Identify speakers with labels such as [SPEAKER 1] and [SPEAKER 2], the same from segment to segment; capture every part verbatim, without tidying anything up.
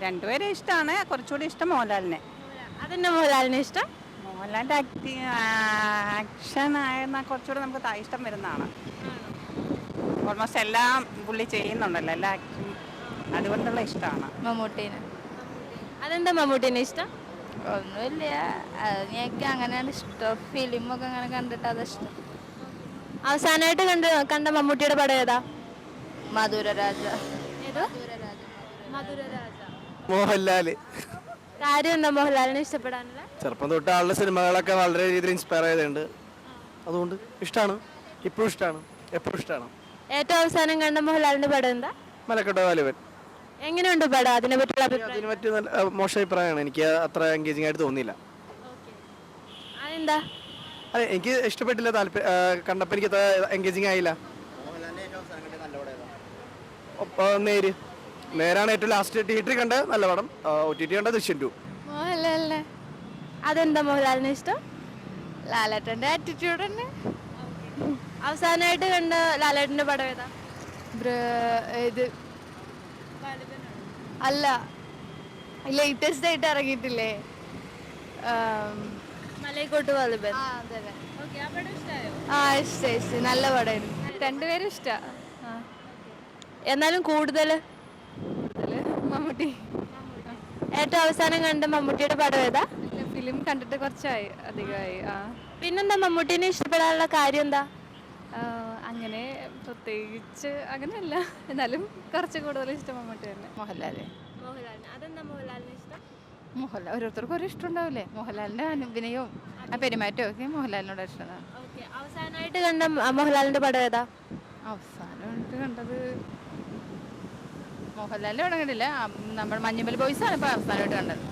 [SPEAKER 1] രണ്ടുപേരും ഇഷ്ടമാണ്. കുറച്ചുകൂടി ഇഷ്ടം മോഹൻലാലിനെ.
[SPEAKER 2] അതെന്നെ മോഹൻലാലിനെ ഇഷ്ടം?
[SPEAKER 1] മോഹൻലാലിൻ്റെ ആക്ടിങ് ആക്ഷൻ ആയിരുന്നാൽ കുറച്ചുകൂടി നമുക്ക് ത- ഇഷ്ടം വരുന്നതാണ്. ഓൾമോസ്റ്റ് എല്ലാം പുള്ളി ചെയ്യുന്നുണ്ടല്ലോ, എല്ലാ ആക്ടിങ്, അതുകൊണ്ടുള്ള ഇഷ്ടമാണ്.
[SPEAKER 3] മമ്മൂട്ടീനെ.
[SPEAKER 2] അതെന്താ മമ്മൂട്ടിനെ ഇഷ്ടം?
[SPEAKER 3] ഒന്നുമില്ല, എനിക്ക് അങ്ങനെയാണ് ഇഷ്ടം. ഫിലിമൊക്കെ അങ്ങനെ കണ്ടിട്ട് അത് ഇഷ്ടം.
[SPEAKER 2] അവസാനമായിട്ട് കണ്ട കണ്ട മമ്മൂട്ടിയുടെ പടം ഏതാ?
[SPEAKER 3] മധുരരാജ.
[SPEAKER 2] ഏതോ
[SPEAKER 3] മധുരരാജ.
[SPEAKER 4] മോഹൻലാല്.
[SPEAKER 2] കാര്യം എന്താ മോഹൻലാലിനെ ഇഷ്ടപ്പെടാനുള്ള?
[SPEAKER 4] ചെറുപ്പം തൊട്ട് ആളുടെ സിനിമകളൊക്കെ വളരെ രീതിയിൽ ഇൻസ്പയർ ചെയ്തിട്ടുണ്ട്. അതുകൊണ്ട് ഇഷ്ടമാണ്, ഇപ്പോഴും ഇഷ്ടമാണ്, എപ്പോഴും ഇഷ്ടമാണ്.
[SPEAKER 2] ഏറ്റവും അവസാനം കണ്ട മോഹൻലാലിന്റെ പടം എന്താ?
[SPEAKER 4] മലക്കട്ട വാലിബൻ.
[SPEAKER 2] എങ്ങനെയുണ്ട് പടം? അതിനെ പറ്റിയുള്ള അഭിപ്രായം
[SPEAKER 4] അതിന് പറ്റിയ നല്ല അഹ് മോശം അഭിപ്രായമാണ്. എനിക്ക് അത്ര എൻഗേജിങ് ആയിട്ട് തോന്നിയില്ല.
[SPEAKER 2] അതെന്താ?
[SPEAKER 4] അതെ, എനിക്ക് ഇഷ്ടപ്പെട്ടില്ല. താല്പര്യം കണ്ടപ്പോൾ എനിക്ക് അത്ര എൻഗേജിങ് ആയില്ല. ഒപ്പ- നേര് നേരാണ് ഏറ്റവും ലാസ്റ്റ് തിയേറ്ററിൽ കണ്ട നല്ല പടം. ഒ ടി ടി കണ്ട ദൃശ്യം ടു.
[SPEAKER 3] മോഹൻലാലിനെ.
[SPEAKER 2] അതെന്താ മോഹൻലാലിനെ ഇഷ്ടം?
[SPEAKER 3] ലാലേട്ടൻ്റെ ആറ്റിറ്റ്യൂഡ് തന്നെ.
[SPEAKER 2] അവസാനമായിട്ട് കണ്ട ലാലേട്ടന്റെ പടം ഏതാ?
[SPEAKER 3] ഇത് അല്ല, ലേറ്റസ്റ്റ് ആയിട്ട് ഇറങ്ങിയിട്ടില്ലേ?
[SPEAKER 2] മലൈക്കോട്ട് വാലിബൻ.
[SPEAKER 3] ആ, അതന്നെ.
[SPEAKER 2] ഓക്കേ, ആ പടം ഇഷ്ടായോ?
[SPEAKER 3] ആ, ഇഷ്ടം ഇഷ്ടം. നല്ല പടമായിരുന്നു. രണ്ടുപേരും ഇഷ്ടമാണ്.
[SPEAKER 2] എന്നാലും കൂടുതൽ
[SPEAKER 3] മമ്മൂട്ടി.
[SPEAKER 2] ഏറ്റവും അവസാനം കണ്ട മമ്മൂട്ടിയുടെ പടം ഏതാ?
[SPEAKER 3] ഫിലിം കണ്ടിട്ട് കുറച്ചായി, അധികമായി. ആ,
[SPEAKER 2] പിന്നെന്താ മമ്മൂട്ടിനെ ഇഷ്ടപ്പെടാനുള്ള കാര്യം എന്താ?
[SPEAKER 3] അങ്ങനെ പ്രത്യേകിച്ച് അങ്ങനെയല്ല, എന്നാലും കുറച്ച് കൂടുതൽ ഇഷ്ടം മമ്മൂട്ടി തന്നെ. മോഹൻലാല്.
[SPEAKER 2] മോഹൻലാലിന്. അതെന്താ മോഹൻലാലിനെ ഇഷ്ടം?
[SPEAKER 3] മോഹൻലാൽ ഓരോരുത്തർക്കും ഓരോ ഇഷ്ടം ഉണ്ടാവില്ലേ? മോഹൻലാലിൻ്റെ അഭിനയവും ആ പെരുമാറ്റവും ഒക്കെ മോഹൻലാലിനോട് ഇഷ്ടമാണ്.
[SPEAKER 2] ഓക്കെ, അവസാനമായിട്ട് കണ്ട മ- മോഹൻലാലിന്റെ പടം ഏതാ?
[SPEAKER 3] അവസാനമായിട്ട് കണ്ടത് മോഹൻലാലിൻ്റെ പടം കണ്ടില്ല, നമ്മൾ മഞ്ഞുമൽ ബോയ്സ് ആണ് ഇപ്പോൾ അവസാനമായിട്ട് കണ്ടത്.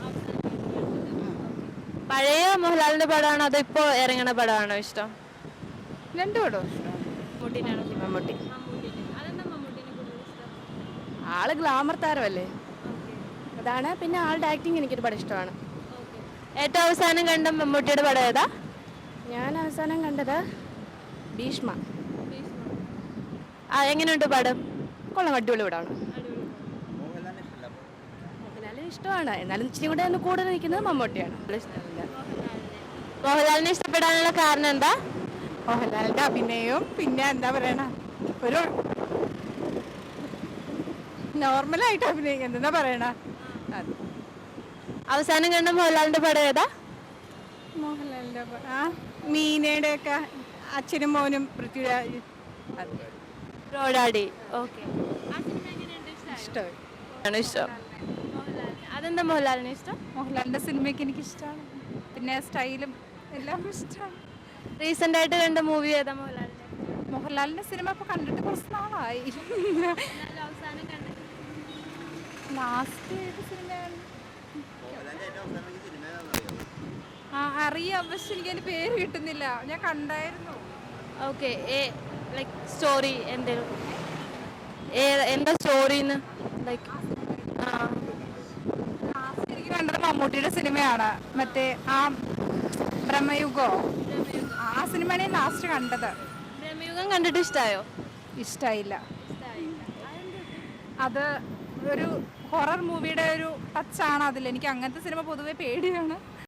[SPEAKER 2] പഴയ മോഹൻലാലിന്റെ പടമാണോ അതോ ഇപ്പോൾ ഇറങ്ങണ പടമാണോ ഇഷ്ടം?
[SPEAKER 3] രണ്ടു പടവും ഇഷ്ടമാണ്.
[SPEAKER 2] മമ്മൂട്ടിനാണോ?
[SPEAKER 3] മമ്മൂട്ടി.
[SPEAKER 2] അതെന്താ മമ്മൂട്ടിനെ കൂടുതൽ ഇഷ്ടം?
[SPEAKER 3] ആള് ഗ്ലാമർ താരമല്ലേ, അതാണ്. പിന്നെ ആളുടെ ആക്ടിങ് എനിക്കൊരുപാട് ഇഷ്ടമാണ്.
[SPEAKER 2] ഏറ്റവും അവസാനം കണ്ട മമ്മൂട്ടിയുടെ പടം ഏതാ?
[SPEAKER 3] ഞാൻ അവസാനം കണ്ടത് ഭീഷ്മ.
[SPEAKER 2] ആ, എങ്ങനെയുണ്ട് പടം?
[SPEAKER 3] കൊള്ളാം, അടിപൊളി പടമാണ്. മോഹൻലാലിന് ഇഷ്ടമാണ്, എന്നാലും ഇച്ചിരി കൂടെ ഒന്ന് കൂടുതൽ നിൽക്കുന്നത് മമ്മൂട്ടിയാണ്. ഇഷ്ടമില്ല.
[SPEAKER 2] മോഹൻലാലിനെ ഇഷ്ടപ്പെടാനുള്ള കാരണം എന്താ?
[SPEAKER 1] മോഹൻലാലിൻ്റെ അഭിനയവും പിന്നെ എന്താ പറയണ, ഒരു നോർമലായിട്ട് അഭിനയിക്കുന്നത്, എന്താ പറയണ അത്.
[SPEAKER 2] അവസാനം കണ്ട മോഹൻലാലിന്റെ പടം ഏതാ?
[SPEAKER 1] മോഹൻലാലിൻ്റെ പ- ആ മീനയുടെ ഒക്കെ അച്ഛനും മോനും പൃഥ്വിരാജ്, അത്
[SPEAKER 2] റോഡാടി. ഓക്കെ,
[SPEAKER 1] ഇഷ്ടമായി.
[SPEAKER 2] ആണ് ഇഷ്ടം. അതെന്താ മോഹൻലാലിനെ ഇഷ്ടം?
[SPEAKER 1] മോഹൻലാലിൻ്റെ സിനിമയൊക്കെ എനിക്ക് ഇഷ്ടമാണ്, പിന്നെ സ്റ്റൈലും എല്ലാം ഇഷ്ടമാണ്.
[SPEAKER 2] റീസെന്റ് ആയിട്ട് കണ്ട മൂവി ഏതാ മോഹൻലാലിന്റെ?
[SPEAKER 1] മോഹൻലാലിൻ്റെ സിനിമ ഇപ്പോൾ കണ്ടിട്ട് കുറച്ച് നാളായി.
[SPEAKER 2] അവസാനം കണ്ട
[SPEAKER 1] ലാസ്റ്റ് ഏത് സിനിമയാണ്? ആ അറിയാം, പക്ഷെ എനിക്ക് അതിൻ്റെ പേര് കിട്ടുന്നില്ല. ഞാൻ കണ്ടായിരുന്നു.
[SPEAKER 2] ഓക്കെ, ലൈക്ക് സ്റ്റോറി എന്തേലും എന്താ സ്റ്റോറിന്ന്? ലൈക്ക് ആ
[SPEAKER 1] ലാസ്റ്റ് എനിക്ക് കണ്ടത് മമ്മൂട്ടിയുടെ സിനിമയാണ്, മറ്റേ ആ ബ്രഹ്മയുഗോ, ആ സിനിമയാണ് ഞാൻ ലാസ്റ്റ് കണ്ടത്.
[SPEAKER 2] ബ്രഹ്മയുഗം കണ്ടിട്ട് ഇഷ്ടായോ?
[SPEAKER 1] ഇഷ്ടമായില്ല. അത് ഒരു ഹൊറർ മൂവിയുടെ ഒരു ടച്ചാണ് അതിൽ. എനിക്ക് അങ്ങനത്തെ സിനിമ പൊതുവെ പേടിയാണ്.